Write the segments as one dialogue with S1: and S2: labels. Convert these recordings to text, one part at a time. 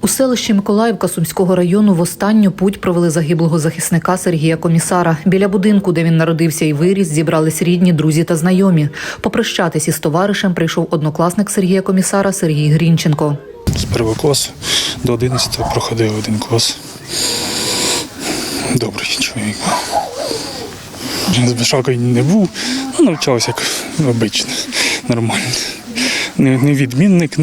S1: У селищі Миколаївка Сумського району в останню путь провели загиблого захисника Сергія Комісара. Біля будинку, де він народився і виріс, зібрались рідні, друзі та знайомі. Попрощатись із товаришем прийшов однокласник Сергія Комісара Сергій Грінченко.
S2: З першого класу до 11-го проходив один клас. Добрий чоловік. З Бешакою не був, навчався як обично, нормально. Не відмінник,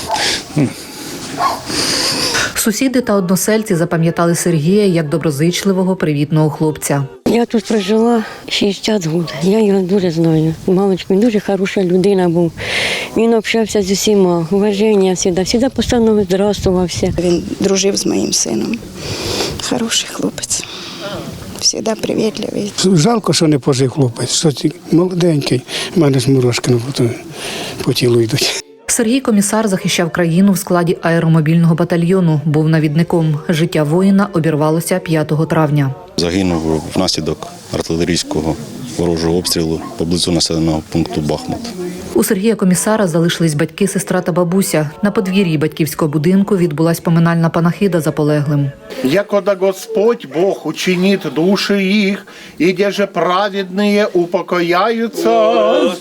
S1: Сусіди та односельці запам'ятали Сергія як доброзичливого, привітного хлопця.
S3: Я тут прожила 60 років. Я його дуже знаю. Мамочка, він дуже хороша людина був. Він общався з усіма, уваження завжди постійно здравствувався.
S4: Він дружив з моїм сином. Хороший хлопець. Завжди привітливий.
S5: Жалко, що не пожив хлопець, що молоденький. У мене ж мурашки по тілу йдуть.
S1: Сергій Комісар захищав країну в складі аеромобільного батальйону, був навідником. Життя воїна обірвалося 5 травня.
S6: Загинув внаслідок артилерійського ворожого обстрілу поблизу населеного пункту Бахмут.
S1: У Сергія Комісара залишились батьки, сестра та бабуся. На подвір'ї батьківського будинку відбулась поминальна панахида за полеглим.
S7: «Якода Господь Бог учинит души их, и где же праведные упокояются».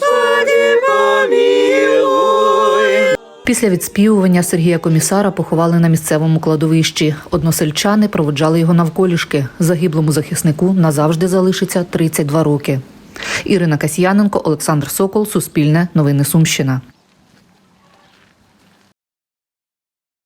S1: Після відспівування Сергія Комісара поховали на місцевому кладовищі. Односельчани проводжали його навколішки. Загиблому захиснику назавжди залишиться 32 роки. Ірина Касьяненко, Олександр Сокол, Суспільне, Новини Сумщина.